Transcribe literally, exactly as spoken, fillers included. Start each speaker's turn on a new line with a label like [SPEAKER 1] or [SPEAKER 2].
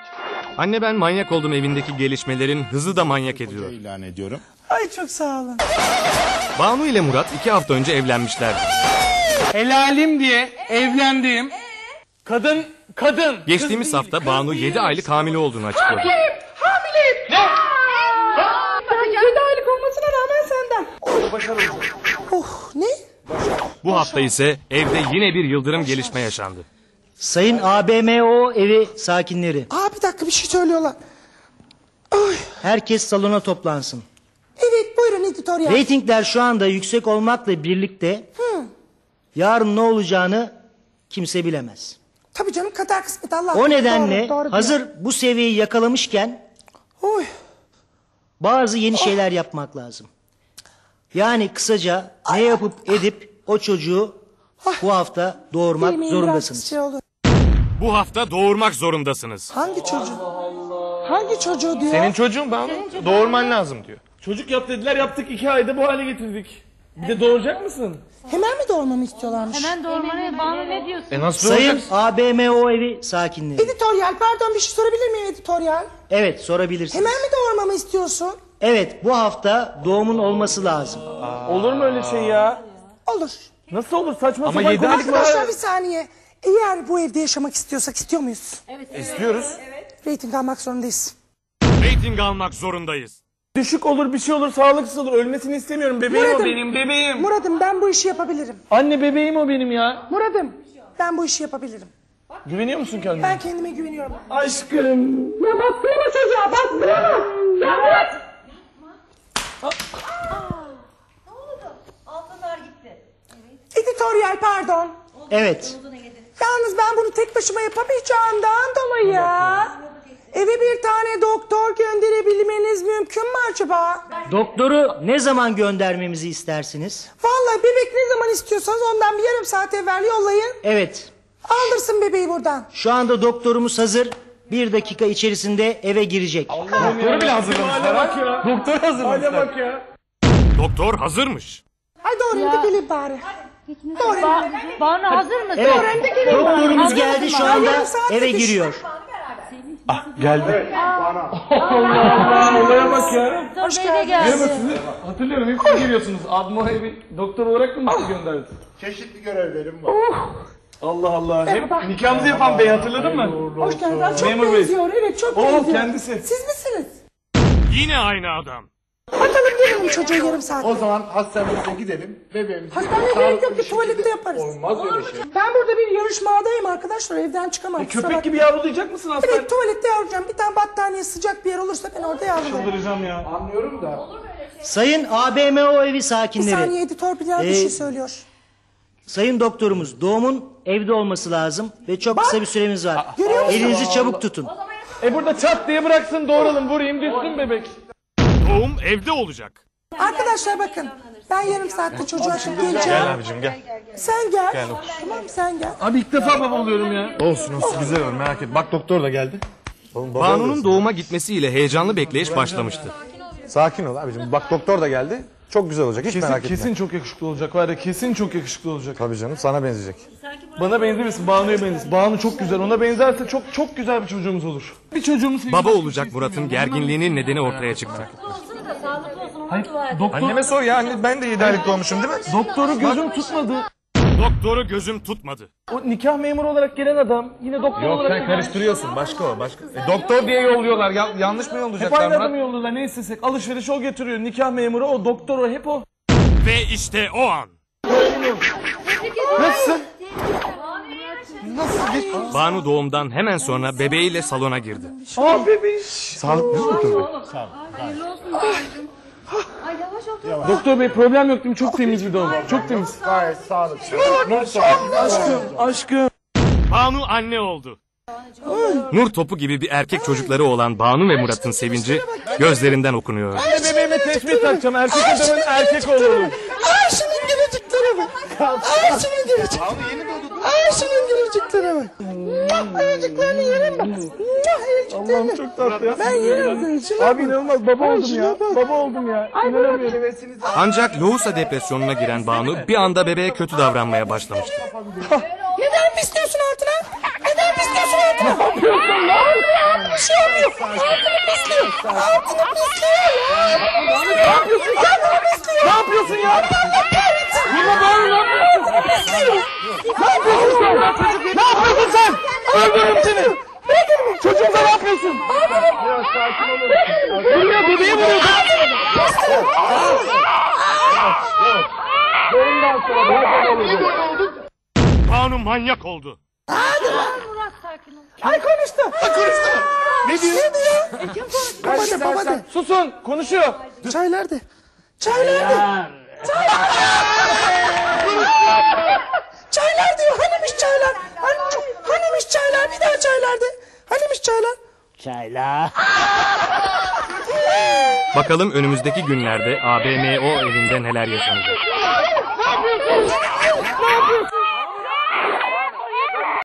[SPEAKER 1] Anne ben manyak oldum evindeki gelişmelerin hızı da manyak ediyor.
[SPEAKER 2] İlan ediyorum.
[SPEAKER 3] Ay çok sağ olun.
[SPEAKER 1] Banu ile Murat iki hafta önce evlenmişler.
[SPEAKER 4] Helalim diye evlendiğim kadın, kadın.
[SPEAKER 1] Geçtiğimiz
[SPEAKER 4] kız
[SPEAKER 1] hafta
[SPEAKER 4] değil,
[SPEAKER 1] Banu
[SPEAKER 4] kız
[SPEAKER 1] yedi
[SPEAKER 4] değil.
[SPEAKER 1] aylık hamile olduğunu açıkladı.
[SPEAKER 3] Hamileyim, hamileyim.
[SPEAKER 4] Ne?
[SPEAKER 3] yedi aylık olmasına rağmen senden.
[SPEAKER 4] Başarılı.
[SPEAKER 3] Oh ne?
[SPEAKER 1] Bu hafta ise evde yine bir yıldırım gelişme yaşandı.
[SPEAKER 5] Sayın A B M O evi sakinleri,
[SPEAKER 3] Aa bir dakika bir şey söylüyorlar. Ay.
[SPEAKER 5] herkes salona toplansın.
[SPEAKER 3] Evet buyurun editoryal.
[SPEAKER 5] Reytingler şu anda yüksek olmakla birlikte
[SPEAKER 3] Hı.
[SPEAKER 5] yarın ne olacağını kimse bilemez.
[SPEAKER 3] Tabii canım kader kısmet Allah.
[SPEAKER 5] O nedenle
[SPEAKER 3] Doğru, doğru
[SPEAKER 5] hazır
[SPEAKER 3] diyor.
[SPEAKER 5] bu seviyeyi yakalamışken
[SPEAKER 3] Oy.
[SPEAKER 5] bazı yeni şeyler yapmak lazım. Yani kısaca ne yapıp edip o çocuğu bu hafta doğurmak
[SPEAKER 3] Yemeğin biraz
[SPEAKER 5] zorundasınız.
[SPEAKER 3] Şey olur.
[SPEAKER 1] Bu hafta doğurmak zorundasınız.
[SPEAKER 3] Hangi çocuğu? Hangi çocuğu diyor?
[SPEAKER 4] Senin çocuğun Banu. Doğurman lazım diyor. Çocuk yap dediler, yaptık, iki ayda bu hale getirdik. Bir de doğuracak mısın?
[SPEAKER 3] Hemen mi doğurmamı istiyorlarmış?
[SPEAKER 6] Hemen doğurmanı Banu ne diyorsun?
[SPEAKER 4] E nasıl
[SPEAKER 5] Sayın
[SPEAKER 4] doğuracaksın?
[SPEAKER 5] A B M O evi sakinleri.
[SPEAKER 3] Editoryal pardon bir şey sorabilir miyim editoryal?
[SPEAKER 5] Evet, sorabilirsiniz.
[SPEAKER 3] Hemen mi doğurmamı istiyorsun?
[SPEAKER 5] Evet, bu hafta doğumun olması lazım.
[SPEAKER 4] Olur mu öyle şey ya?
[SPEAKER 3] Olur.
[SPEAKER 4] Nasıl olur, saçma
[SPEAKER 1] Ama
[SPEAKER 4] sapan
[SPEAKER 1] yedi aylık
[SPEAKER 4] konuşma.
[SPEAKER 3] Arkadaşlar bir saniye. Eğer bu evde yaşamak istiyorsak istiyor muyuz?
[SPEAKER 4] İstiyoruz.
[SPEAKER 3] Rating almak zorundayız.
[SPEAKER 1] Rating almak zorundayız.
[SPEAKER 4] Düşük olur, bir şey olur, sağlıksız olur. Ölmesini istemiyorum. Bebeğim
[SPEAKER 3] Murat'ım.
[SPEAKER 4] o benim, bebeğim.
[SPEAKER 3] Muradım ben bu işi yapabilirim.
[SPEAKER 4] Anne bebeğim o benim ya.
[SPEAKER 3] Muradım ben bu işi yapabilirim.
[SPEAKER 4] Güveniyor musun kendine?
[SPEAKER 3] Ben kendime güveniyorum.
[SPEAKER 4] Aşkım.
[SPEAKER 3] Ya baksana çocuğa baksana. Ya bırak.
[SPEAKER 6] Ne oldu? Altınlar gitti.
[SPEAKER 3] Editoryal pardon.
[SPEAKER 5] Evet.
[SPEAKER 3] Yalnız ben bunu tek başıma yapamayacağımdan dolayı eve bir tane doktor gönderebilmeniz mümkün mü acaba?
[SPEAKER 5] Doktoru ne zaman göndermemizi istersiniz?
[SPEAKER 3] Vallahi bebek ne zaman istiyorsanız ondan bir yarım saat evvel yollayın.
[SPEAKER 5] Evet.
[SPEAKER 3] Aldırsın bebeği buradan.
[SPEAKER 5] Şu anda doktorumuz hazır. Bir dakika içerisinde eve girecek.
[SPEAKER 4] Doktoru bile hazırlamışlar ha. Doktor hazırlamışlar. Hale bak ya.
[SPEAKER 1] Doktor hazırmış.
[SPEAKER 3] Ay doğru da gelin bari. Doğru.
[SPEAKER 6] Ba Banu hazır mısın?
[SPEAKER 5] Evet. Doktorumuz geldi şu anda
[SPEAKER 3] Yarım saat
[SPEAKER 5] eve
[SPEAKER 3] yetiş.
[SPEAKER 5] giriyor.
[SPEAKER 4] Geldi. Allah olaya bak ya.
[SPEAKER 6] Doktor Bey de geldi.
[SPEAKER 4] Sizi hatırlıyorum, hep siz geliyorsunuz. Abma evi doktor olarak mı sizi gönderdi?
[SPEAKER 2] Çeşitli görevlerim var.
[SPEAKER 4] Allah Allah. Hep nikahımızı yapan bey, hatırladın mı?
[SPEAKER 3] Hoş geldiniz. Çok
[SPEAKER 4] Memur Bey.
[SPEAKER 3] benziyor. Evet çok
[SPEAKER 4] O
[SPEAKER 3] benziyor.
[SPEAKER 4] kendisi.
[SPEAKER 3] Siz misiniz?
[SPEAKER 1] Yine aynı adam.
[SPEAKER 3] Bakalım verelim çocuğa yarım saat.
[SPEAKER 2] O zaman hastanemize gidelim. Bebeğimizi
[SPEAKER 3] Hastaneye gerek yok ki tuvalette yaparız.
[SPEAKER 2] Olmaz öyle şey.
[SPEAKER 3] Ben burada bir yarışmadayım arkadaşlar. Evden çıkamam. kusura
[SPEAKER 4] Köpek
[SPEAKER 3] bakmayın.
[SPEAKER 4] gibi yavrulayacak mısın hastane?
[SPEAKER 3] Evet tuvalette yavrulayacağım. Bir tane battaniye sıcak bir yer olursa ben orada yavrulayacağım.
[SPEAKER 4] Çıldıracağım ya.
[SPEAKER 2] Anlıyorum da.
[SPEAKER 5] Sayın A B M O evi
[SPEAKER 3] Bir
[SPEAKER 5] sakinleri.
[SPEAKER 3] saniye editör Bilal bir
[SPEAKER 5] Ee,
[SPEAKER 3] şey söylüyor.
[SPEAKER 5] Sayın doktorumuz doğumun evde olması lazım ve çok kısa bir süremiz var.
[SPEAKER 3] Görüyor musun?
[SPEAKER 5] Elinizi çabuk tutun.
[SPEAKER 4] E burada çat diye bıraksın, doğuralım, vurayım, düşsün bebek.
[SPEAKER 1] Doğum evde olacak.
[SPEAKER 3] Arkadaşlar bakın. Ben yarım saatte çocuğa şimdi geleceğim.
[SPEAKER 4] Gel abicim gel.
[SPEAKER 3] Sen gel. Tamam sen gel.
[SPEAKER 4] Abi ilk defa baba oluyorum ya.
[SPEAKER 7] Olsun olsun güzel olur, merak etme. Bak doktor da geldi. Oğlum, baba
[SPEAKER 1] Banu'nun
[SPEAKER 7] oluyorsun.
[SPEAKER 1] doğuma gitmesiyle heyecanlı bekleyiş başlamıştı.
[SPEAKER 7] Sakin ol abicim. Bak doktor da geldi. Çok güzel olacak. Hiç
[SPEAKER 4] Kesin,
[SPEAKER 7] merak etme.
[SPEAKER 4] kesin çok yakışıklı olacak var ya, kesin çok yakışıklı olacak.
[SPEAKER 7] Tabii canım, sana benzeyecek.
[SPEAKER 4] Bana benzemesin, Banu'ya benzesin. Banu çok güzel, ona benzerse çok çok güzel bir çocuğumuz olur. Bir çocuğumuz sevgisi-
[SPEAKER 1] Baba olacak Murat'ın gerginliğinin nedeni ortaya çıktı.
[SPEAKER 6] Olsun da sağlıklı olsun. Onu
[SPEAKER 4] Hayır,
[SPEAKER 6] dua et.
[SPEAKER 4] doktor,
[SPEAKER 7] Anneme sor ya, anne ben de yedi aylık doğmuşum değil mi?
[SPEAKER 4] doktoru gözüm tutmadı.
[SPEAKER 1] Doktoru gözüm tutmadı.
[SPEAKER 4] O nikah memuru olarak gelen adam yine doktor
[SPEAKER 7] Yok
[SPEAKER 4] olarak...
[SPEAKER 7] sen karıştırıyorsun, başka o başka. E, doktor diye yolluyorlar, ya, yanlış mı
[SPEAKER 4] Hep
[SPEAKER 7] yollayacaklar
[SPEAKER 4] aynı adamı
[SPEAKER 7] Murat?
[SPEAKER 4] yolluyorlar, ne istesek. Alışveriş o getiriyor, nikah memuru o, doktor o, hep o.
[SPEAKER 1] Ve işte o an.
[SPEAKER 4] Nasılsın?
[SPEAKER 1] Banu doğumdan hemen sonra bebeğiyle salona girdi.
[SPEAKER 4] Aa bebeğim.
[SPEAKER 7] Sağlıklı mı doktor bey?
[SPEAKER 6] Hayırlı olsun. Ay yavaş ol.
[SPEAKER 4] Doktor bey problem yok değil mi? Çok temiz bir doğum. Çok temiz.
[SPEAKER 2] Gayet sağlıklı.
[SPEAKER 4] Aşkım, aşkım.
[SPEAKER 1] Banu anne oldu. Nur topu gibi bir erkek çocukları olan Banu ve Murat'ın sevinci gözlerinden okunuyor.
[SPEAKER 4] Ben de bebeğime tesbih takacağım. Erkek adamın erkek oğlu.
[SPEAKER 3] Ay şunun gülücüklere bak. Ay şunun gülücüklere. Ay şunun gülücüklere bak. Ayıcıklarını yerim bak.
[SPEAKER 4] Allah'ım çok tatlı ya.
[SPEAKER 3] Ben yerim seni. Şuna
[SPEAKER 4] Abi inanılmaz, baba oldum ya.
[SPEAKER 3] bak.
[SPEAKER 4] Baba oldum ya. İnanamıyorum.
[SPEAKER 1] Ancak lohusa depresyonuna giren Banu bir anda bebeğe kötü davranmaya başlamıştı.
[SPEAKER 3] Neden pisliyorsun altına? Neden pisliyorsun altına? yapıyorsun lan? Bir şey olmuyor. Altını pisliyor. Altını pisliyor ya. Ne yapıyorsun? Kendini pisliyor. Ne yapıyorsun ya? Yine böyle ne yapıyorsun? Ne yapıyorsun sen? Ne yapıyorsun sen? Öldürürüm seni. Çocuğumuza ne yapıyorsun?
[SPEAKER 2] Biraz sakin olun.
[SPEAKER 3] Vuruyor, bebeği vuruyor.
[SPEAKER 2] Doğumdan sonra böyle olacak.
[SPEAKER 1] Banu manyak oldu.
[SPEAKER 6] Murat sakin ol.
[SPEAKER 3] Ay konuştu. Ay konuştu. Ne diyor? Ne diyor?
[SPEAKER 6] Kim konuştu?
[SPEAKER 3] Baba de, baba de.
[SPEAKER 4] Susun konuşuyor.
[SPEAKER 3] Çay nerede? Çay nerede? Çaylar. Çaylar diyor. Hanimiş çaylar? Hani, hanimiş çaylar? Bir daha çaylar de. Hanimiş çaylar?
[SPEAKER 5] Çayla.
[SPEAKER 1] Bakalım önümüzdeki günlerde A B M O evinde neler yaşanacak.
[SPEAKER 3] Ne yapıyorsun?